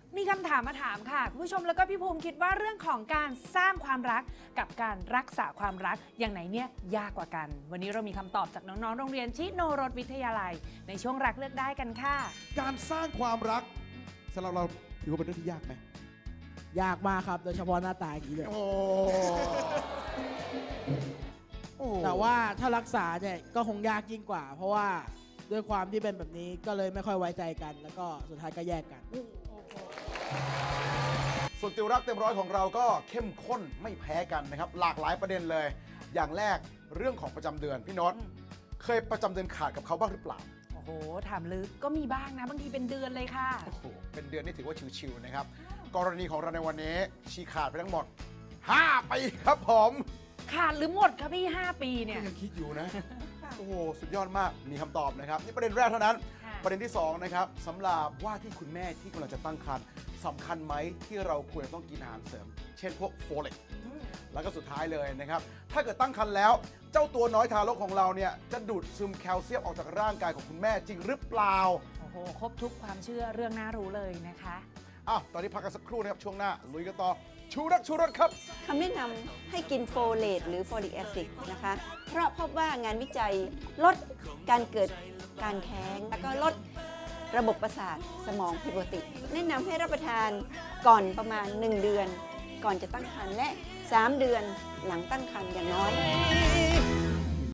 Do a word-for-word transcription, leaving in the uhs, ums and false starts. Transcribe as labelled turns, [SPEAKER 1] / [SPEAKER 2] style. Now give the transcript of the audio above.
[SPEAKER 1] มีคำถามมาถามค่ะคุณผู้ชมแล้วก็พี่ภูมิคิดว่าเรื่องของการสร้างความรักกับการรักษาความรักอย่างไหนเนี่ยยากกว่ากันวันนี้เรามีคำตอบจากน้องๆโรงเรียนชิโนรสวิทยาลัยในช่วงรักเลือกได้กันค่ะ
[SPEAKER 2] การสร้างความรักสำหรับเราถือว่าเป็นเรื่องที่ยากไหม
[SPEAKER 3] ยากมากครับโดยเฉพาะหน้าตาอย่างนี้เลย
[SPEAKER 2] โอ้โอ้
[SPEAKER 3] แต่ว่าถ้ารักษาเนี่ยก็คงยากยิ่งกว่า เพราะว่าด้วยความที่เป็นแบบนี้ก็เลยไม่ค่อยไว้ใจกัน แล้วก็สุดท้ายก็แยกกัน
[SPEAKER 2] ส่วนติวรักเต็มร้อยของเราก็เข้มข้นไม่แพ้กันนะครับหลากหลายประเด็นเลย อย่างแรกเรื่องของประจำเดือนพี่โน้ตเคยประจำเดือนขาดกับเขาบ้างหรือเปล่า
[SPEAKER 1] โอ้โหถามลึกก็มีบ้างนะบางทีเป็นเดือนเลยค่ะ
[SPEAKER 2] โอ้โหเป็นเดือนนี่ถือว่าชิวๆนะครับกรณีของเราในวันนี้ชีขาดไปทั้งหมดห้าปีครับผม
[SPEAKER 1] ขาดหรือหมดครับพี่ห้าปีเนี่ย
[SPEAKER 2] ยังคิดอยู่นะโอ้โหสุดยอดมากมีคำตอบนะครับนี่ประเด็นแรกเท่านั้นประเด็นที่สองนะครับสำหรับว่าที่คุณแม่ที่กำลังจะตั้งครรภ์สำคัญไหมที่เราควรจะต้องกินอาหารเสริมเช่นพวกโฟเลตแล้วก็สุดท้ายเลยนะครับถ้าเกิดตั้งครรภ์แล้วเจ้าตัวน้อยทารกของเราเนี่ยจะดูดซึมแคลเซียมออกจากร่างกายของคุณแม่จริงหรือเปล่า
[SPEAKER 1] โอ้โหครบทุกความเชื่อเรื่องน่ารู้เลยนะคะ
[SPEAKER 2] อ้าวตอนนี้พักกันสักครู่นะครับช่วงหน้าลุยกันต่อชูรักชูรสครับ
[SPEAKER 4] คำแนะนำให้กินโฟเลตหรือโฟลิกแอซิดนะคะเพราะพบว่างานวิจัยลดการเกิดการแท้งแล้วก็ลดระบบประสาทสมองผิดปกติแนะนำให้รับประทานก่อนประมาณหนึ่งเดือนก่อนจะตั้งครรภ์และสามเดือนหลังตั้งครรภ์อย่างน้อย